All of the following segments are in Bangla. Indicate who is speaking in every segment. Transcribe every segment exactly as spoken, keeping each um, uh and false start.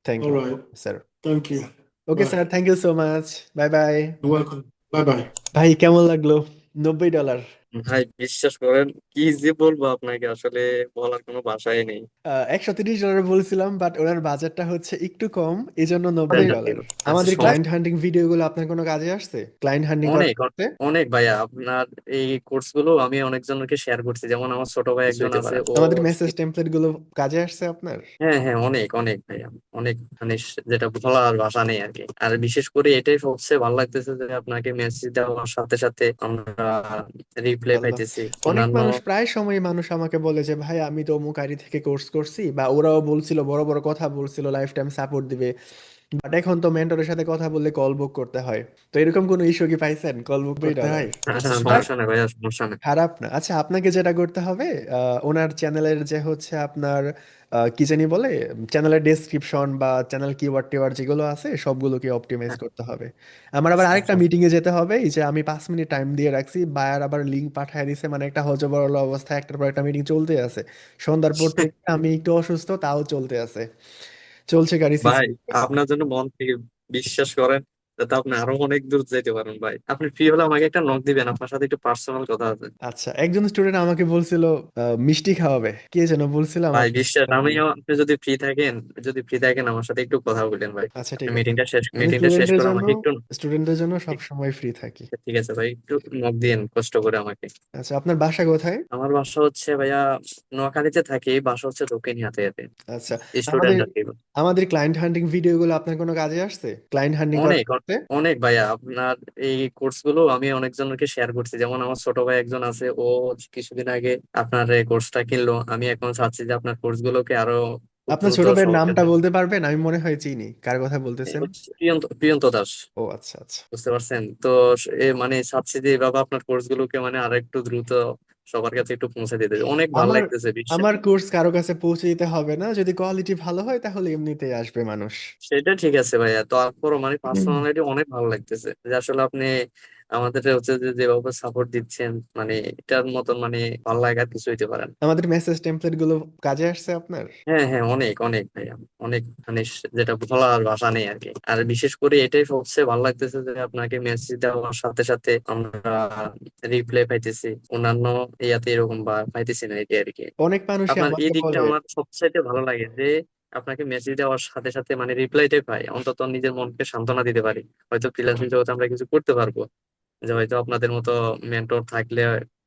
Speaker 1: Thank
Speaker 2: All
Speaker 1: you
Speaker 2: right.
Speaker 1: Sir.
Speaker 2: Thank you.
Speaker 1: Okay
Speaker 2: Bye.
Speaker 1: Sir, thank you so much. Bye bye.
Speaker 2: You're welcome. Bye bye.
Speaker 1: ভাই কেমন লাগলো? নব্বই ডলার।
Speaker 3: ভাই বিশ্বাস করেন, কি যে বলবো আপনাকে, আসলে বলার কোনো ভাষাই নেই।
Speaker 1: একশো তিরিশ ডলার বলছিলাম, বাট ওনার বাজেটটা হচ্ছে একটু কম, এই জন্য নব্বই
Speaker 3: আমাদের
Speaker 1: ডলার
Speaker 3: আচ্ছা
Speaker 1: আমাদের
Speaker 3: সব
Speaker 1: ক্লায়েন্ট হান্টিং ভিডিওগুলো আপনার কোনো কাজে আসছে? ক্লায়েন্ট হান্টিং
Speaker 3: অনেক
Speaker 1: করতে?
Speaker 3: অনেক ভাইয়া, আপনার এই কোর্স গুলো আমি অনেকজনকে শেয়ার করছি, যেমন আমার ছোট ভাই একজন আছে, ও
Speaker 1: আমাদের মেসেজ টেমপ্লেট গুলো কাজে আসছে আপনার?
Speaker 3: হ্যাঁ হ্যাঁ, অনেক অনেক ভাইয়া, অনেক, মানে স- যেটা বলার ভাষা নেই আর কি। আর বিশেষ করে এটাই সবচেয়ে ভালো লাগতেছে যে আপনাকে মেসেজ দেওয়ার সাথে সাথে আমরা রিপ্লাই
Speaker 1: আল্লাহ,
Speaker 3: পাইতেছি
Speaker 1: অনেক
Speaker 3: অন্যান্য।
Speaker 1: মানুষ, প্রায় সময় মানুষ আমাকে বলে যে ভাই আমি তো অমুক আইডি থেকে কোর্স করছি, বা ওরাও বলছিল, বড় বড় কথা বলছিল লাইফ টাইম সাপোর্ট দিবে, বাট এখন তো মেন্টরের সাথে কথা বললে কল বুক করতে হয়। তো এরকম কোনো ইস্যু কি পাইছেন? কল বুক করতে
Speaker 3: ডলার
Speaker 1: হয়?
Speaker 3: হ্যাঁ হ্যাঁ,
Speaker 1: বাট
Speaker 3: সমস্যা নেই ভাইয়া, সমস্যা নেই।
Speaker 1: খারাপ না। আচ্ছা, আপনাকে যেটা করতে হবে, আহ, ওনার চ্যানেলের যে হচ্ছে আপনার আহ, কি জানি বলে, চ্যানেলের ডেসক্রিপশন বা চ্যানেল কিওয়ার্ড টিওয়ার্ড যেগুলো আছে সবগুলোকে অপটিমাইজ
Speaker 3: হ্যাঁ,
Speaker 1: করতে হবে। আমার আবার
Speaker 3: আচ্ছা
Speaker 1: আরেকটা
Speaker 3: আচ্ছা।
Speaker 1: মিটিং এ যেতে হবে, এই যে আমি পাঁচ মিনিট টাইম দিয়ে রাখছি, বায়ার আবার লিঙ্ক পাঠিয়ে দিছে, মানে একটা হজবরল অবস্থায় একটার পর একটা মিটিং চলতে আছে। সন্ধ্যার পর থেকে আমি একটু অসুস্থ, তাও চলতে আছে, চলছে গাড়ি সিসি।
Speaker 3: ভাই আপনার জন্য মন থেকে বিশ্বাস করেন, যাতে আপনি আরো অনেক দূর যেতে পারেন ভাই। আপনি ফ্রি হলে আমাকে একটা নক দিবেন, আপনার সাথে একটু পার্সোনাল কথা আছে।
Speaker 1: আচ্ছা, একজন স্টুডেন্ট আমাকে বলছিল আহ, মিষ্টি খাওয়াবে, কে যেন বলছিল আমার।
Speaker 3: ভাই বিশ্বাস, আমিও, আপনি যদি ফ্রি থাকেন, যদি ফ্রি থাকেন আমার সাথে একটু কথা বলেন ভাই।
Speaker 1: আচ্ছা
Speaker 3: আপনি
Speaker 1: ঠিক আছে,
Speaker 3: মিটিংটা শেষ,
Speaker 1: আমি
Speaker 3: মিটিংটা শেষ
Speaker 1: স্টুডেন্টদের
Speaker 3: করে
Speaker 1: জন্য
Speaker 3: আমাকে একটু,
Speaker 1: স্টুডেন্টদের জন্য সব সময় ফ্রি থাকি।
Speaker 3: ঠিক আছে ভাই, একটু নক দিন কষ্ট করে আমাকে।
Speaker 1: আচ্ছা, আপনার বাসা কোথায়?
Speaker 3: আমার বাসা হচ্ছে ভাইয়া নোয়াখালীতে থাকি, বাসা হচ্ছে দক্ষিণ হাতিয়াতে।
Speaker 1: আচ্ছা, আমাদের
Speaker 3: স্টুডেন্ট আর কি।
Speaker 1: আমাদের ক্লায়েন্ট হান্টিং ভিডিওগুলো আপনার কোনো কাজে আসছে? ক্লায়েন্ট হান্টিং
Speaker 3: অনেক
Speaker 1: করতে?
Speaker 3: অনেক ভাইয়া, আপনার এই কোর্স গুলো আমি অনেকজনকে শেয়ার করছি, যেমন আমার ছোট ভাই একজন আছে, ও কিছুদিন আগে আপনার এই কোর্সটা কিনলো। আমি এখন চাচ্ছি যে আপনার কোর্স গুলোকে আরো খুব
Speaker 1: আপনার
Speaker 3: দ্রুত
Speaker 1: ছোট ভাইয়ের নামটা
Speaker 3: সহজে।
Speaker 1: বলতে পারবেন? আমি মনে হয় চিনি কার কথা
Speaker 3: এই
Speaker 1: বলতেছেন।
Speaker 3: হচ্ছে প্রিয়ন্ত প্রিয়ন্ত দাস।
Speaker 1: ও আচ্ছা আচ্ছা।
Speaker 3: বুঝতে পারছেন তো। এ মানে চাচ্ছি যে এভাবে আপনার কোর্স গুলোকে মানে আর একটু দ্রুত সবার কাছে একটু পৌঁছে দিতে, অনেক ভালো
Speaker 1: আমার
Speaker 3: লাগতেছে বিশ্বে।
Speaker 1: আমার কোর্স কারো কাছে পৌঁছে দিতে হবে না, যদি কোয়ালিটি ভালো হয় তাহলে এমনিতেই আসবে মানুষ।
Speaker 3: সেটা ঠিক আছে ভাইয়া, তারপরও মানে পার্সোনালিটি অনেক ভালো লাগতেছে যে আসলে আপনি আমাদের হচ্ছে যে যেভাবে সাপোর্ট দিচ্ছেন, মানে এটার মতন মানে ভালো লাগার কিছু হইতে পারে না।
Speaker 1: আমাদের মেসেজ টেমপ্লেট গুলো কাজে আসছে আপনার?
Speaker 3: হ্যাঁ হ্যাঁ, অনেক অনেক ভাইয়া, অনেক, মানে স- যেটা বলার ভাষা নেই আর কি। আর বিশেষ করে এটাই সবচেয়ে ভালো লাগতেছে যে আপনাকে মেসেজ দেওয়ার সাথে সাথে আমরা রিপ্লাই পাইতেছি অন্যান্য ইয়াতে এরকম বা পাইতেছি না, এটি আর কি।
Speaker 1: অনেক মানুষই
Speaker 3: আপনার এই
Speaker 1: আমাকে
Speaker 3: দিকটা
Speaker 1: বলে।
Speaker 3: আমার সবচাইতে ভালো লাগে যে আপনাকে মেসেজ দেওয়ার সাথে সাথে মানে রিপ্লাইটাই পাই, অন্তত নিজের মনকে সান্ত্বনা দিতে পারি। হয়তো ফ্রিল্যান্সিং জগতে আমরা কিছু করতে পারবো, যে হয়তো আপনাদের মতো মেন্টর থাকলে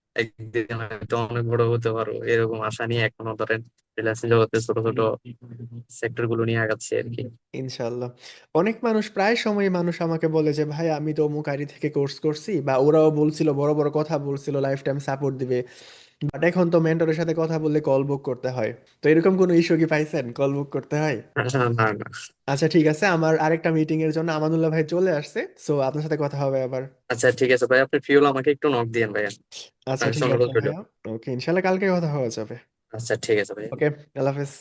Speaker 3: একদিন হয়তো অনেক বড় হতে পারবো, এরকম আশা নিয়ে এখনো ধরেন ফ্রিল্যান্সিং জগতে ছোট ছোট সেক্টর গুলো নিয়ে আগাচ্ছি আর কি।
Speaker 1: ইনশাল্লাহ। অনেক মানুষ, প্রায় সময় মানুষ আমাকে বলে যে ভাই আমি তো অমুক আইডি থেকে কোর্স করছি, বা ওরাও বলছিল, বড় বড় কথা বলছিল লাইফ টাইম সাপোর্ট দিবে, বাট এখন তো মেন্টরের সাথে কথা বললে কল বুক করতে হয়। তো এরকম কোনো ইস্যু কি পাইছেন, কল বুক করতে হয়?
Speaker 3: না না না।
Speaker 1: আচ্ছা ঠিক আছে, আমার আরেকটা মিটিং এর জন্য আমানুল্লাহ ভাই চলে আসছে, সো আপনার সাথে কথা হবে আবার।
Speaker 3: আচ্ছা ঠিক আছে ভাই, আপনি ফ্রি হলে আমাকে একটু নক দিয়েন ভাইয়া,
Speaker 1: আচ্ছা
Speaker 3: আপনার কাছে
Speaker 1: ঠিক আছে
Speaker 3: অনুরোধ রইল।
Speaker 1: ভাইয়া। ওকে, ইনশাল্লাহ কালকে কথা হওয়া যাবে।
Speaker 3: আচ্ছা ঠিক আছে ভাইয়া।
Speaker 1: ওকে, আল্লাহ হাফেজ।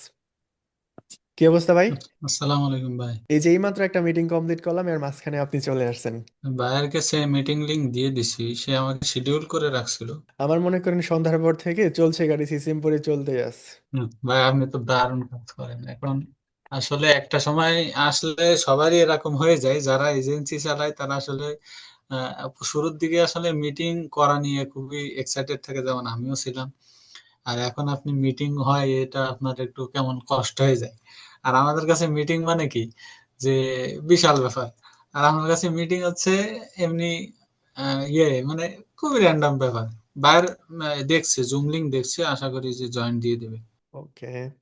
Speaker 1: কি অবস্থা ভাই?
Speaker 4: আসসালামু আলাইকুম ভাই।
Speaker 1: এই যে এইমাত্র একটা মিটিং কমপ্লিট করলাম, এর মাঝখানে আপনি চলে আসছেন।
Speaker 4: ভাইয়ের কাছে মিটিং লিংক দিয়ে দিছি, সে আমাকে শিডিউল করে রাখছিল।
Speaker 1: আমার মনে করেন সন্ধ্যার পর থেকে চলছে গাড়ি সিসিমপুরে চলতে আছে।
Speaker 4: হুম, ভাই আপনি তো দারুণ কাজ করেন এখন। আসলে একটা সময় আসলে সবারই এরকম হয়ে যায়, যারা এজেন্সি চালায় তারা আসলে আহ, শুরুর দিকে আসলে মিটিং করা নিয়ে খুবই এক্সাইটেড থাকে, যেমন আমিও ছিলাম। আর এখন আপনি মিটিং হয় এটা আপনার একটু কেমন কষ্ট হয়ে যায়। আর আমাদের কাছে মিটিং মানে কি, যে বিশাল ব্যাপার। আর আমার কাছে মিটিং হচ্ছে এমনি আহ, ইয়ে মানে খুবই র্যান্ডম ব্যাপার। বাইর আহ, দেখছে, জুম লিংক দেখছে, আশা করি যে জয়েন দিয়ে দেবে।
Speaker 1: ওকে।